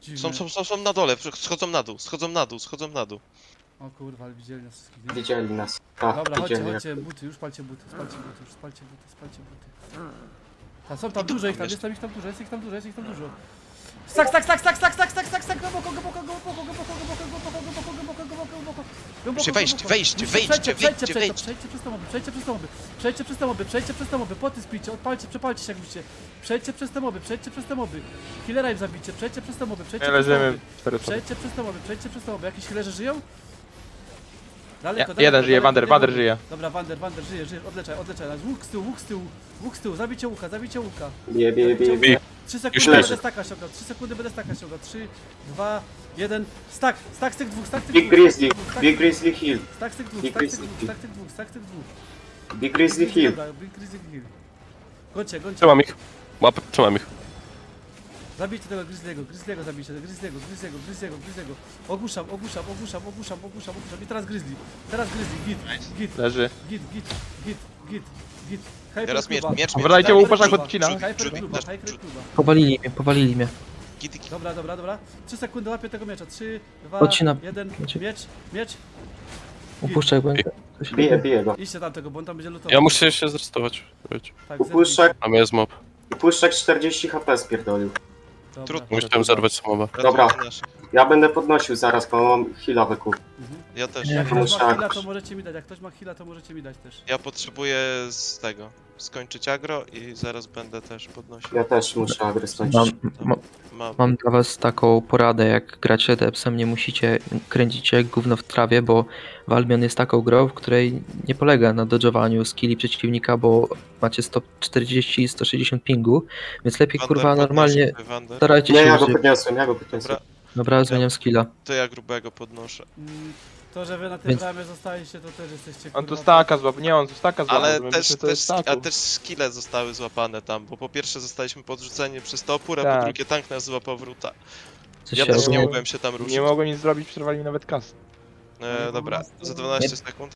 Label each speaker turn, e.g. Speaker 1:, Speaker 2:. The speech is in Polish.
Speaker 1: Dziwne.
Speaker 2: Są na dole, schodzą na dół, schodzą na dół.
Speaker 1: O kurwa, ale widzieli nas wszystkich.
Speaker 3: Widzieli nas. Tak,
Speaker 1: Dobra, chodźcie,
Speaker 3: widzieli.
Speaker 1: chodźcie, buty, już palcie buty, spalcie buty, już spalcie buty. Tam są tam dużo ich tam, jest tam ich tam dużo, jest ich tam dużo. Stak, na boko,
Speaker 2: Muszę wejść.
Speaker 1: Przejdźcie przez te moby, poty spijcie, odpalcie, przepalcie się jak musicie. Przejdźcie przez te moby, healera im zabicie, przejdźcie przez te moby,
Speaker 4: Leżymy.
Speaker 1: przejdźcie przez te moby, jakieś healerzy żyją? Daleko,
Speaker 4: Jeden żyje, Wander żyje.
Speaker 1: Dobra, Wander żyje, odleczaj. Łuk z tyłu, zabijcie łuka.
Speaker 3: Bije.
Speaker 1: 3
Speaker 3: Już
Speaker 1: sekundy
Speaker 3: leży.
Speaker 1: będę staka ściągał, 3, 2, 1, stack z tych dwóch,
Speaker 3: Big Grizzly Hill.
Speaker 1: stack z tych dwóch.
Speaker 3: Big Grizzly Hill.
Speaker 1: Dobra, Big Grizzly Hill. Gońcie.
Speaker 4: Trzymam ich. Trzymam ich.
Speaker 1: Zabijcie tego Grizzly'ego zabijcie, Grizzly'ego. Ogłuszam. I teraz Grizzly, git.
Speaker 4: Leży.
Speaker 1: Git.
Speaker 2: Teraz miecz.
Speaker 4: Wracajcie, bo uparzak odcina.
Speaker 1: Hyper kluba.
Speaker 5: Powalili mnie.
Speaker 2: Git.
Speaker 1: Dobra. 3 sekundy łapię tego miecza. 3, 2,
Speaker 5: Odcinam.
Speaker 1: 1, miecz.
Speaker 5: Upuszczaj, bo
Speaker 3: Bije go.
Speaker 1: Idźcie tam tego, bo on tam będzie lutował.
Speaker 4: Ja muszę się zrestować.
Speaker 1: Tak,
Speaker 3: Upuszczak,
Speaker 4: A jest mob.
Speaker 3: 40 HP spierdolił.
Speaker 1: Dobra.
Speaker 4: Musiałem zerwać samowa.
Speaker 3: Dobra. Ja będę podnosił zaraz, bo mam heala wykuł.
Speaker 2: Ja też.
Speaker 5: Nie.
Speaker 1: Jak ktoś ma
Speaker 3: Tak.
Speaker 1: heala, to możecie mi dać. Jak ktoś ma heala, to możecie mi dać też.
Speaker 2: Ja potrzebuję z tego. Skończyć agro i zaraz będę też podnosił.
Speaker 3: Ja też muszę agry skończyć.
Speaker 5: Mam dla was taką poradę, jak gracie Depsem, nie musicie kręcić się jak gówno w trawie, bo Valbion jest taką grą, w której nie polega na dodżowaniu skilli przeciwnika, bo macie 140 i 160 pingu, więc lepiej kurwa normalnie starajcie
Speaker 3: Nie,
Speaker 5: się
Speaker 3: ja go
Speaker 5: używać.
Speaker 3: podniosłem.
Speaker 2: Dobra,
Speaker 5: Dobra, zmieniam skilla.
Speaker 2: to ja grubego podnoszę.
Speaker 1: To, że wy na tym
Speaker 5: Więc-
Speaker 1: bramie zostaliście, to też jesteście
Speaker 4: On tu
Speaker 1: kurwa,
Speaker 4: staka złapał. Nie, on tu staka złapał.
Speaker 2: Ale
Speaker 4: my
Speaker 2: też,
Speaker 4: myślę, to jest staku.
Speaker 2: a też skille zostały złapane tam, bo po pierwsze zostaliśmy podrzuceni przez topór, a
Speaker 4: Tak.
Speaker 2: po drugie tank nas złapał wróta.
Speaker 5: Coś
Speaker 2: Ja
Speaker 5: się
Speaker 2: też nie
Speaker 5: ogólnie-
Speaker 2: mogłem się tam ruszyć.
Speaker 4: Nie mogło nic zrobić, przerwali mi nawet kas.
Speaker 2: Dobra, za 12 sekund.